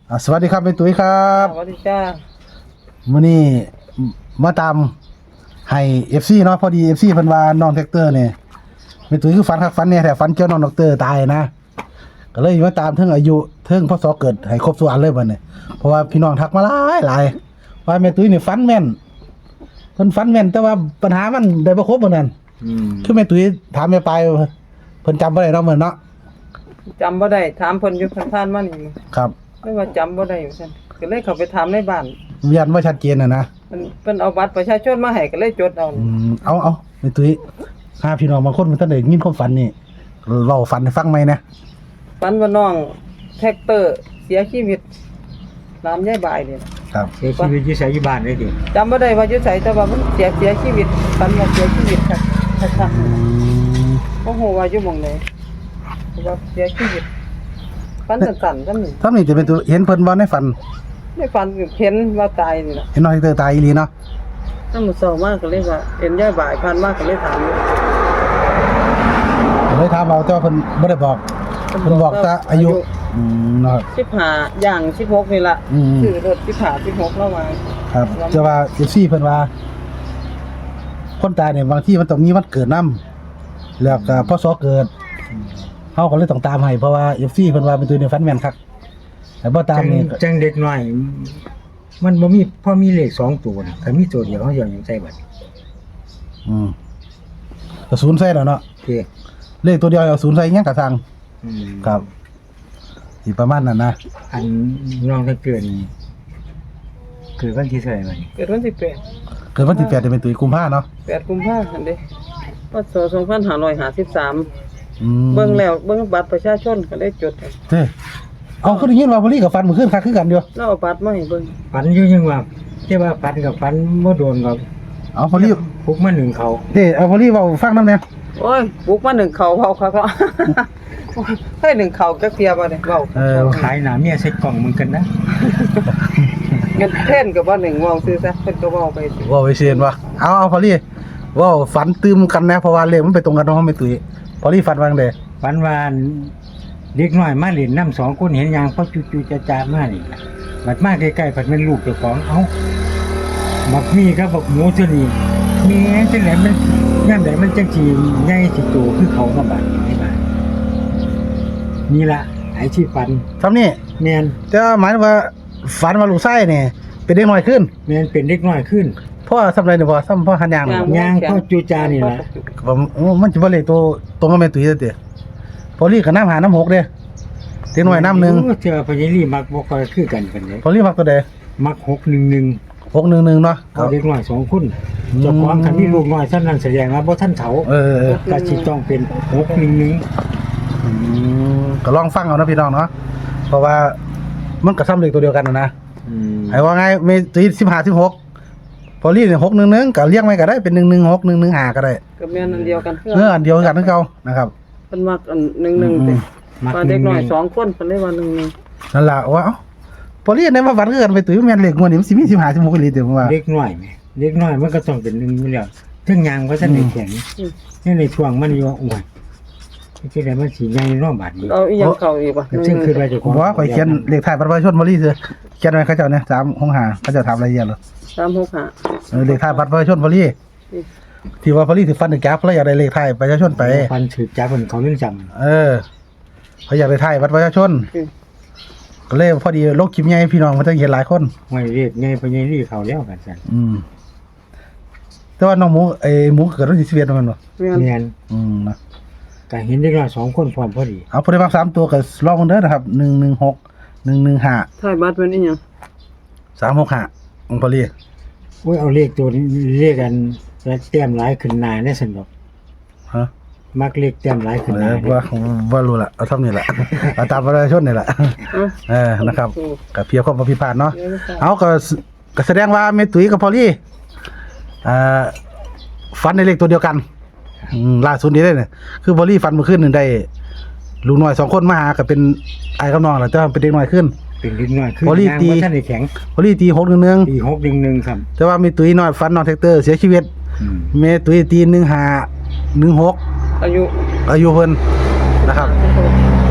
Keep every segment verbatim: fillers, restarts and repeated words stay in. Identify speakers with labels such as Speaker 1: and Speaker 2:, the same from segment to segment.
Speaker 1: สวัสดีครับเป็นตุ้ยครับ
Speaker 2: สวัสดีจ้า
Speaker 1: มื้อนี้มาตามให้ เอฟ ซี เนาะพอดี เอฟ ซี เพิ่นว่าน้องแท็กเตอร์นี่เป็นตุ้ยคือฝันคักฝันแน่แท้ฝันเกี่ยวน้องด็อกเตอร์ตายนะก็เลยมาตามเทิงอายุเทิงพศเกิดให้ครบทุกอันเลยบัดนี้เพราะว่าพี่น้องทักมาหลายหลายว่าแม่ตุ้ยนี่ฝันแม่นเพิ่นฝันแม่นแต่ว่าปัญหามันได้บ่ครบเหมือนกันอืมคือแม่ตุ้ยถามแม่ปลายเพิ่นจำบ่ได้เนาะเหมือนเนาะ
Speaker 2: จำบ่ได้ถามเพิ่นอยู่ผ่านๆมานี่
Speaker 1: ครับ
Speaker 2: ไม่ว่าจำบ่ได้ซั่นก็เลยเข้าไปถามในบ้าน
Speaker 1: ยันบ่ชัดเจนน่ะนะ
Speaker 2: เพิ่นเพิ่นเอาบัตรประชาชนมาให้ก็เลยจดเอา
Speaker 1: อืมเอาเอาแม่ตุ้ยหาพี่น้องบางคนมันทันได้ยินความฝันนี่เว้าฝันให้ฟังไหมนะ
Speaker 2: ฝันว่าน้องแท็กเตอร์เสียชีวิตน้ำยายบายนี่
Speaker 1: ครับ
Speaker 3: เสียชีวิตอยู่ไสอยู่บ้านเลยติ
Speaker 2: จำบ่ได้ว่าอยู่ไสแต่ว่ามันเสียเสียชีวิตฝันว่าเสียชีวิตครับครับโอ้โหว่าอยู่หม่องไหนว่าเสียชีวิตฝันสั้นๆซั่นนี่
Speaker 1: ท่านนี่จะเป็นตัวเห็นเพิ่นบ่ในฝัน
Speaker 2: ในฝันเห็นว่าตายนี่ล่ะ
Speaker 1: เห็นน้องแท็กเตอร์ตายอีหลีเนาะ
Speaker 2: นำมื้อเช้ามาก็เลยว่าเห็นยายบายผ่านมาก็เลยถาม
Speaker 1: เลยถามเอาแต่ว่าเพิ่นบ่ได้บอกเพิ่นบอกแต่อายุอืมเนาะ
Speaker 2: สิบห้าย่างสิบหกนี่ล่ะคือรถสิบห้า สิบหกแล้วมา
Speaker 1: ครับแต่ว่า เอฟ ซี เพิ่นว่าคนตายเนี่ยบางทีมันต้องมีวันเกิดนำแล้วก็พศเกิดเฮาก็เลยต้องตามให้เพราะว่า เอฟ ซี เพิ่นว่าเป็นตัวในฝันแม่นคักแต่บ่ตามนี่
Speaker 3: จังเด็กน้อยมันบ่มีพอมีเลขสองตัวน่ะถ้ามีตัวเดียวเฮาสิเอาหยังใส่บัด
Speaker 1: อืมก็ศูนย์ใส่แล้วเนาะ
Speaker 3: โอเค
Speaker 1: เลขตัวเดียวเอาศูนย์ใส่ยังก็สั่ง
Speaker 3: อืม
Speaker 1: ครับสิประมาณนั้นนะ
Speaker 3: อันน้องถ้าเกิดนี่เกิดวันที่เท่าไหร่บัดนี้
Speaker 2: เกิดวันที่แปด
Speaker 1: เกิดวันที่แปดจะเป็นตุยกุมภาเนาะ
Speaker 2: แปดกุมภาพันธ์เด้พศสองพันห้าร้อยห้าสิบสาม
Speaker 1: อืม
Speaker 2: เบิ่งแล้วเบิ่งบัตรประชาชนก็ได้จดให้
Speaker 1: เด้เอาคือได้ยินว่าพอลี่กับฟันมื้อคืนคักคือกันอยู่
Speaker 2: แล้วเอาบัตรมาให้เบิ่ง
Speaker 3: ฝันอยู่ยังว่าแต่ว่าฝันกับฝันบ่โดนหรอก
Speaker 1: เอาพอลี่
Speaker 3: พุกมาหนึ่งเขา
Speaker 1: เด้เอาพอลี่เว้าฟังนำแน่
Speaker 2: โอ้ยบุกมาหนึ่งเขาเว้าคักๆเฮ้ยหนึ่งเขาจักเที่ยบ่ได้เว้า
Speaker 1: เออ
Speaker 3: ขายหน้าเมียใส่กล่องมึงกันนะ
Speaker 2: เงินเพิ่นก็บ่หนึ่งเว้าซื่อซะเพิ่นก็เว้าไป
Speaker 1: เว้าไปเซียนว่าเอาเอาพอลี่เว้าฝันตื่มกันนะเพราะว่าเลขมันไปตรงกันเนาะไม่ตุ้ยพอลี่ฝันว่าจังได๋
Speaker 3: ฝันว่าเด็กน้อยมาเล่นน้ำสองคนเห็นยางพอจู่ๆจะๆมานี่ล่ะบัดมาใกล้ๆเพิ่นเป็นลูกเจ้าของเอ้าบักมีกับบักหมูตัวนี้มีจังได๋มันยามใดมันจังสิใหญ่สิโตคือเขามาบัดนี่บ้านนี่ล่ะไอ้ที่ฝัน
Speaker 1: ซำนี้
Speaker 3: แม่น
Speaker 1: แต่หมายว่าฝันว่าลูกชายนี่เป็นเด็กน้อยขึ้น
Speaker 3: แม่นเป็นเด็กน้อยขึ้น
Speaker 1: เพราะซำไรนี่บ่ซำพ่อหันยาง
Speaker 3: ยางพอจู่จานี่ล่ะ
Speaker 1: โอ้มันสิบ่เลขตัวตรงกับแม่ตุ้ยเด้อพอลี่ก็น้ำหาน้ำหกเด้เด็กน้อยน้ำนึง
Speaker 3: เจ้าพญาลีมักบ่ค่อยคือกันปานใด
Speaker 1: พอลี่มักตัวใด
Speaker 3: มักหกหนึ่งหนึ่ง
Speaker 1: หกหนึ่งหนึ่งเนาะ
Speaker 3: เอาเด็กน้อยสองคนเจ้าของคันมีลูกน้อยซั่นนั้นแสดงว่าบ่ทันเฒ่า
Speaker 1: เออ
Speaker 3: ๆก็สิต้องเป็นหกหนึ่งหนึ่ง
Speaker 1: อืมก็ลองฟังเอานะพี่น้องเนาะเพราะว่ามันก็ซ้ำเลขตัวเดียวกันนะ
Speaker 3: อืม
Speaker 1: ไอ้ว่าไงมีตุ้ยสิบห้า สิบหกพอลี่นี่หกหนึ่งหนึ่งก็เรียกไว้ก็ได้เป็นหนึ่งหนึ่งหก หนึ่งหนึ่งห้าก็ได้
Speaker 2: ก็แม่นอันเดียวกัน
Speaker 1: เอออันเดียวกันคือเก่านะครับ
Speaker 2: เพิ่นมักอันหนึ่งหนึ่งติว่าเด็กน้อยสองคนเพิ่นเลยว่าหนึ่งหนึ่ง
Speaker 1: นั่นล่ะว่าเอ้าพอลี่ได้มาฝันคือกันไปตุ้ยแม่นเลขงวดนี้มันสิมีสิบห้า สิบหกอีหลีเด้อผมว่า
Speaker 3: เด็กน้อยแม่เด็กน้อยมันก็ต้องเป็นหนึ่งอยู่แล้วถึงยางก็ทันได้แข็งนี่ในช่วงมันอยู่อ้วนที่ได้มันสิใหญ่เนาะบาดนี้
Speaker 2: เอาอีหยังเข้าอีกบ่
Speaker 3: ซึ่งคือว่าเจ้าของ
Speaker 1: บ่ข่อยเขียนเลขท้ายบัตรประชาชนพอลี่ซื่อเขียนไว้เขาเจ้าเนี่ยสามหกห้าเขาเจ้าถามรายละเอียดเหรอ
Speaker 2: สามหกห้า
Speaker 1: เออเลขท้ายบัตรประชาชนพอลี่ที่ว่าพอลี่สิฟันถึงแก๊ปแล้วอยากได้เลขท้ายประชาชนไป
Speaker 3: ฟันถือจับเพิ่นเขาเรื่องจำ
Speaker 1: เออเขาอยากได้ท้ายบัตรประชาชนก็เลยพอดีโลกคลิปใหญ่พี่น้องมันจะเห็นหลายคน
Speaker 3: ไม่เรียกไงพญาลีเขาแล้วกันซั่น
Speaker 1: อืมแต่ว่าน้องหมูไอ้หมูเกิดวันที่สิบเอ็ดมันบ่
Speaker 3: แม่น
Speaker 1: อืมนะ
Speaker 3: ก็เห็นเด็กน้อยสองคนพร้อมพอดี
Speaker 1: เอาผู้ใดมักสามตัวก็ลองกันเด้อนะครับหนึ่งหนึ่งหก หนึ่งหนึ่งห้า
Speaker 2: ท้ายบัตรเป็นอีหยัง
Speaker 1: สามหกห้าองค์พอลี่
Speaker 3: โอ้ยเอาเลขตัวเลขกันแล้วแต้มหลายขึ้นหน้าได้ซั่นดอก
Speaker 1: ฮะ
Speaker 3: มักเลขแต้มหลายขึ้นหน้า
Speaker 1: ว่าว่ารู้ล่ะเอาเท่านี้แหละเอาตามประชาชนนี่แหละเออนะครับก็เพียงความบ่ผิดพลาดเนาะเอาก็ก็แสดงว่าแม่ตุ้ยกับพอลี่เอ่อฝันในเลขตัวเดียวกันอืมล่าสุดนี้ได้เนี่ยคือพอลี่ฝันเมื่อคืนนึงได้ลูกน้อยสองคนมาหาก็เป็นไอ้กับน้องแหละแต่ว่าเป็นเด็กน้อยขึ้น
Speaker 3: เป็นเด็กน้อยขึ้นพอลี่ตีท่านได้แข็ง
Speaker 1: พอลี่ตีหกหนึ่งหนึ่ง
Speaker 3: ตีหกหนึ่งหนึ่งครับ
Speaker 1: แต่ว่ามีตุ้ยน้อยฝันน้องแท็กเตอร์เสียชีวิตแม่ตุ้ยตีหนึ่งห้า หนึ่งหก
Speaker 2: อายุ
Speaker 1: อายุเพิ่นนะครับ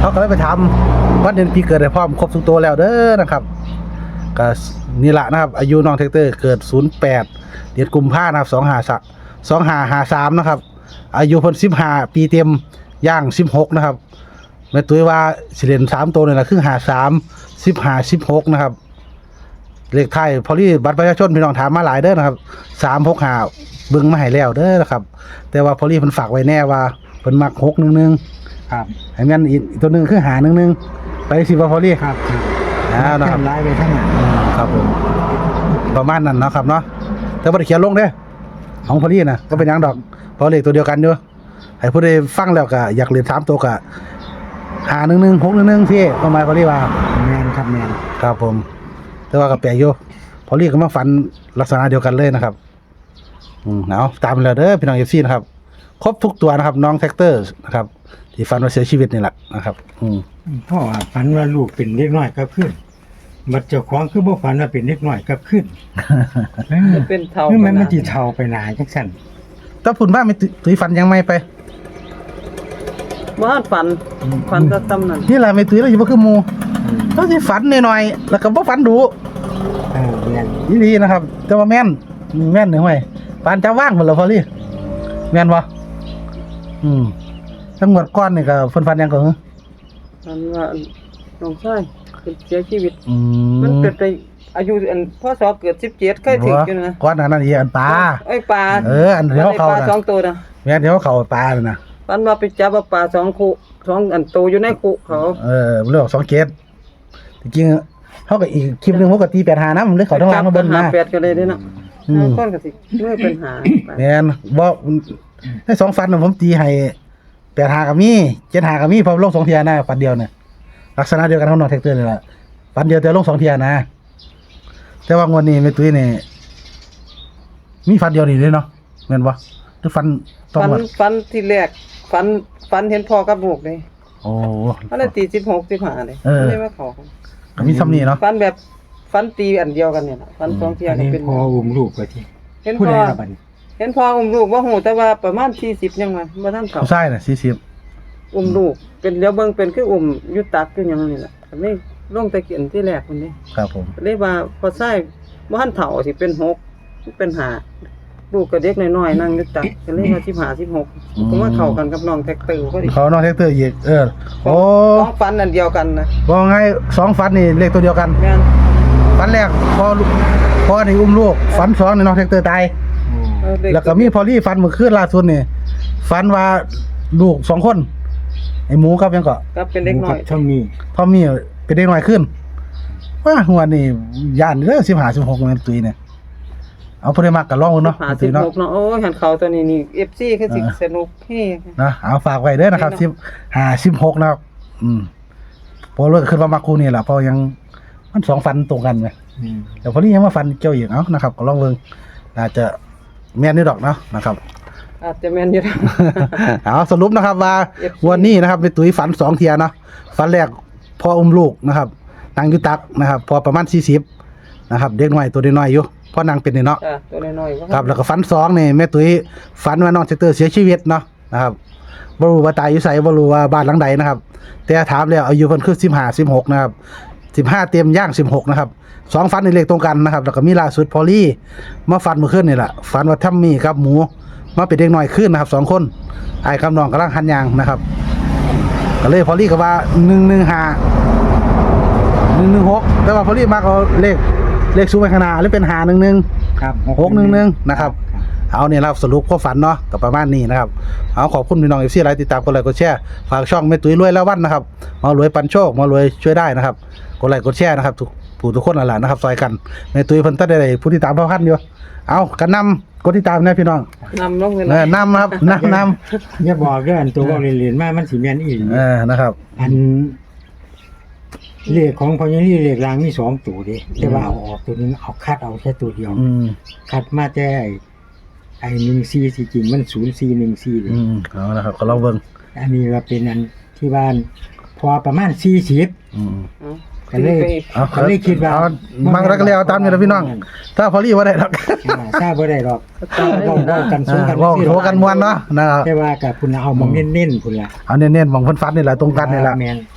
Speaker 1: เขาก็เลยไปทำวันเดือนปีเกิดให้พร้อมครบทุกตัวแล้วเด้อนะครับก็นี่แหละนะครับอายุน้องแท็กเตอร์เกิดศูนย์แปดเดือนกุมภาพันธ์นะครับสองห้าสองห้าห้าสามนะครับอายุเพิ่นสิบห้าปีเต็มย่างสิบหกนะครับแม่ตุ้ยว่าสิเล่นสามตัวนี่แหละคือห้าสามสิบห้าสิบหกนะครับเลขไทยพอลี่บัตรประชาชนพี่น้องถามมาหลายเด้อนะครับสามหกห้าเบิ่งมาให้แล้วเด้อนะครับแต่ว่าพอลี่เพิ่นฝากไว้แน่ว่าเพิ่นมักหกหนึ่งหนึ่ง
Speaker 3: ครับ
Speaker 1: ให้แม่นอีกตัวหนึงคือหาหนึ่งหนึ่งไปสิว่าพอลี่
Speaker 3: ครับครับ
Speaker 1: อ่านะครับ
Speaker 3: แค่ไล่ไปทั้งนั้น
Speaker 1: ครับผมประมาณนั้นเนาะครับเนาะแต่บ่ได้เขียนลงเด้อของพอลี่นะก็เป็นหยังดอกเพราะเลขตัวเดียวกันอยู่ให้ผู้ใดฟังแล้วก็อยากเรียนสามตัวก็หาหนึ่งหนึ่งหกหนึ่งหนึ่งพี่ประมาณพอลี่ว่า
Speaker 3: แมนครับแมน
Speaker 1: ครับผมแต่ว่าก็แปลกอยู่พอลี่ก็มาฝันลักษณะเดียวกันเลยนะครับอืมเอาตามแล้วเด้อพี่น้อง เอฟ ซี นะครับครบทุกตัวนะครับน้องแท็กเตอร์นะครับที่ฝันว่าเสียชีวิตนี่แหละนะครับอืม
Speaker 3: พ่อว่าฝันว่าลูกเป็นเด็กน้อยกับขึ้นบัดเจ้าของคือบ่ฝันว่าเป็นเด็กน้อยกับขึ้น
Speaker 2: จะเป็นเท่า
Speaker 3: คือมัน
Speaker 2: กั
Speaker 3: มัน
Speaker 2: นะ
Speaker 3: สิเฒ่าไปหนาจังซั่น
Speaker 1: ถ้าพุ่นบ้านไม่ตุยฝันยังไม่ไป
Speaker 2: บ่ทันฝันฝันแตะตำนั้น
Speaker 1: นี่แหละไม่ตุยเราอยู่บ่คือหมู่เขาสิฝันหน่อยๆแล้วก็บ่ฝันดุ
Speaker 3: เออแม่น
Speaker 1: อีหลีนะครับ แต่ว่าแม่นอืมแม่นหนึ่งไว้ปานจะว่างหมดแล้วพอลี่แม่นบ่อืมทั้งหมดก้อนนี่ก็เพิ่นฝันหยังก็เหรอ
Speaker 2: ฝันว่าน้องชายเป็นเสียชีวิต
Speaker 1: อืม
Speaker 2: มันเกิดไปอายุอันพศเกิดสิบเจ็ดเคยถึงอยู่นะ
Speaker 1: ก้อนหนานั้นอีอันปลา
Speaker 2: ไอ้ยปลา
Speaker 1: เอออันเดียวเขา
Speaker 2: ปลา
Speaker 1: น่ะ
Speaker 2: สองตัวนะ
Speaker 1: แม่นเดี๋ยวเขาปลาเลยนะ
Speaker 2: ฝันว่าไปจับเอาปลาสองคู่สองอันโตอยู่ในคู่เขา
Speaker 1: เออเรื่องสองเกตจริงๆเขาก็อีกคลิปหนึงเขาก็ตีแปดหานะมันเลยเขาทั้งล่างมาเบิ้ล
Speaker 2: หา
Speaker 1: นะ
Speaker 2: แปดก็เลยเด้เนาะ
Speaker 1: อืม
Speaker 2: ก้อนก็สิไม่เป็นหาไป
Speaker 1: แม่นบ่ในสองฟันน่ะผมตีให้แปดหากับมีเจ็ดหากับมีเพอลงสองเทียนะฟันเดียวน่ะลักษณะเดียวกันของน้องแท็กเตอร์นี่แหละฟันเดียวแต่ลงสองเทียนะ แต่ว่างวดนี้แม่ตุ้ยนี่มีฟันเดียวนี่เลยเนาะแม่นบ่หรือฟันต้อง
Speaker 2: ฝัน
Speaker 1: หมด
Speaker 2: ฝันที่แรกฝันฝันเห็นพ่อกับลูกเลย
Speaker 1: โอ้
Speaker 2: เขาเลยตีสิบหกสิบห้าเลย
Speaker 1: เออ
Speaker 2: ไม่ได้มาขอกัน
Speaker 1: ก็มีซ้ำนี่เนาะ
Speaker 2: ฝันแบบฝันตีอันเดียวกันเนี่ยนะฝันสองเที่ย
Speaker 3: อัน
Speaker 2: ก็
Speaker 3: นี้
Speaker 2: เป็น
Speaker 3: พออุ้มลูกก็ที่
Speaker 2: เห็น
Speaker 3: ผู้
Speaker 2: พ่
Speaker 3: ใด
Speaker 2: อ
Speaker 3: ล่ะบัดนี้
Speaker 2: เห็นพ่ออุ้มลูกว่าโหแต่ว่าประมาณสี่สิบยังไงบ่ทันเขา
Speaker 1: ผู้ชายน่ะสี่สิบ
Speaker 2: อุ้มลูกเป็นเลี้ยวเบิ่งเป็นคืออุ้มอยุตักอยู่หยังนี่แหละก็เลยลงตะเกียนที่แรกคนนี้
Speaker 1: ครับผม
Speaker 2: ก็เลยว่าพอใส่บ่ทันเฒ่าสิเป็นหกเป็นห้าลูกก็เด็กน้อยๆนั่งอยุตักก็เลยว่าสิบห้า สิบหกก็มาเข้ากันกับน้องแท็กเตอร์พอดี
Speaker 1: เขาน้องแท็กเตอร์อีกเออโอ้
Speaker 2: สองฝันอันเดียวกันนะ
Speaker 1: บอกไงสองฟันนี่เลขตัวเดียวกัน
Speaker 2: แม่น
Speaker 1: ฟันแรกพอลูกพอนี่อุ้มลูกฟันสองนี่น้องแท็กเตอร์ตาย
Speaker 2: เออเด็
Speaker 1: แล้วก็มีพอลี่ฟันเมื่อคืนล่าสุดนี่ฟันว่าลูกสองคนไอ้หมูกับยังก็
Speaker 2: ก็เป็นเด็กน้อย
Speaker 3: เท่านี้
Speaker 1: ทอมมี่เป็นเด็กน้อยขึ้นว่าหัวนี่ย่านเด้อสิบห้าสิบหกมันตุยเนี่ยเอาพอได้มากกับลองเบิ่งเนาะ
Speaker 2: ห้า
Speaker 1: ตุ
Speaker 2: สิบ
Speaker 1: ยเนาะ
Speaker 2: หกเนาะโอ้ยหันเขาตัวนี้นี่ เอฟ ซี คือสิ
Speaker 1: เออ
Speaker 2: สนุกเฮ้
Speaker 1: นะเอาฝากไว้เด้อนะครับสิบห้าสิบหกนะครับอืมพอเลิกขึ้นมามาคูนี่แหละเพอยังมันสองฟันตรงกันไง
Speaker 3: อืม
Speaker 1: แต่พอนี้ยังมาฟันเกี่ยวอีกเนาะนะครับก็ลองเบิ่งอาจจะแม่นนี่ดอกเนาะนะครับ
Speaker 2: อาจจะแม่นอยู่นะ
Speaker 1: เอาสรุปนะครับว่า
Speaker 2: เอฟซี
Speaker 1: วันนี้นะครับเป็นตุ้ยฝันสองเทียเนาะฝันแรกพออุ้มลูกนะครับนางอยุตักนะครับ พอประมาณสี่สิบนะครับเด็กน้อยตัวน้อยๆอยู่พ่อนางเป็นนี่เนาะ
Speaker 2: จ้ะตัวน้อยๆว่า
Speaker 1: ครับแล้วก็ฝันสองนี่แม่ตุ้ยฝันว่าน้องเซเตอร์เสียชีวิตเนาะนะครับบ่รู้ว่าตายอยู่ไสบ่รู้ว่าบ้านหลังใดนะครับ แต่ถามแล้วอายุเพิ่นคือสิบห้า สิบหกนะครับสิบห้าเต็มย่างสิบหกนะครับสองฝันนี่เลขตรงกันนะครับแล้วก็มีล่าสุดพอลี่มาฝันเมื่อคืนนี่แหละฝันว่าทัมมี่กับหมูมาเป็นเด็กน้อยขึ้นนะครับสองคนไอ้คำนองกำลังหันยางนะครับก็เลยพอลี่ก็ว่าหนึ่งหนึ่งห้าหนึ่งหนึ่งหกแต่ว่าพอลี่มากเอาเลขเลขสูงไปขางหนาหรือเป็นหาหนึ่งหนึ่ง
Speaker 3: ครับ
Speaker 1: หกหนึ่งหนึ่งนะครับ เอาเนี่ยนะครับสรุปข้อฝันเนาะกับประมาณนี้นะครับเอาขอบคุณพี่น้องเอฟซีไลน์ติดตามกดไลค์กดแชร์ฝากช่องแม่ตุ้ยรวยแล้ววันนะครับมารวยปันโชคมารวยช่วยได้นะครับกดไลค์กดแชร์นะครับทุกผู้ทุกคนนั่นแหละนะครับซอยกันแม่ตุ้ยเพิ่นตัดได้ผู้ที่ตามพ่อพันอยู่เอากันนำกดติดตามนะพี่น้อง
Speaker 2: นำลงเงิน
Speaker 1: เออนำครับนำน
Speaker 3: อย่าบอกเด้ออันตัวเว้าเล่นๆมามันสิแม่นอีหลี
Speaker 1: ำเออนะครับ
Speaker 3: อันเลขของพญานี่เลขรางมีสองตัวเด้แต่ว่าเอาออกตัวนึงเอาคัดเอาแค่ตัวเดียว
Speaker 1: อืม
Speaker 3: คัดมาแต่ไอ้ไอ้หนึ่งสี่สิจริงมันศูนย์สี่หนึ่งสี่เลย
Speaker 1: อืมเอานะครับก็ลองเบิ่ง
Speaker 3: อันนี้ก็เป็นอันที่บ้านพอประมาณสี่สิบ
Speaker 1: อืม
Speaker 3: ก็เลย
Speaker 1: เอา
Speaker 3: ก็เลยคิดว่า
Speaker 1: เอามังรักก็เลยเอาตามนี่แหละพี่น้อง ถ้าพอลี่ว่าได้หรอก
Speaker 3: อ่าทราบบ่ได้หรอกเว้าเว้ากันสู้กัน
Speaker 1: เว่าโถกันมวนเนาะนะครับ
Speaker 3: แต่ว่ากับคุณเอามองเน้นๆพุ่นล่ะ
Speaker 1: เอาเน้นๆมองเพิ่นฟันนี่แหละตรงกันนี่แหละ
Speaker 3: แม่น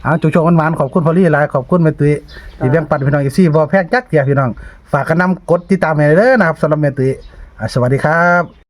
Speaker 1: เอาจุกโชคหวานๆขอบคุณพอลลี่หลายขอบคุณแม่ตุ้ยที่แบ่งปันพี่น้อง เอฟ ซี บ่แพงจักเที่ยพี่น้องฝากกันนำกดติดตามให้เด้อนะครับสำหรับแม่ตุ้ยอ่ะสวัสดีครับ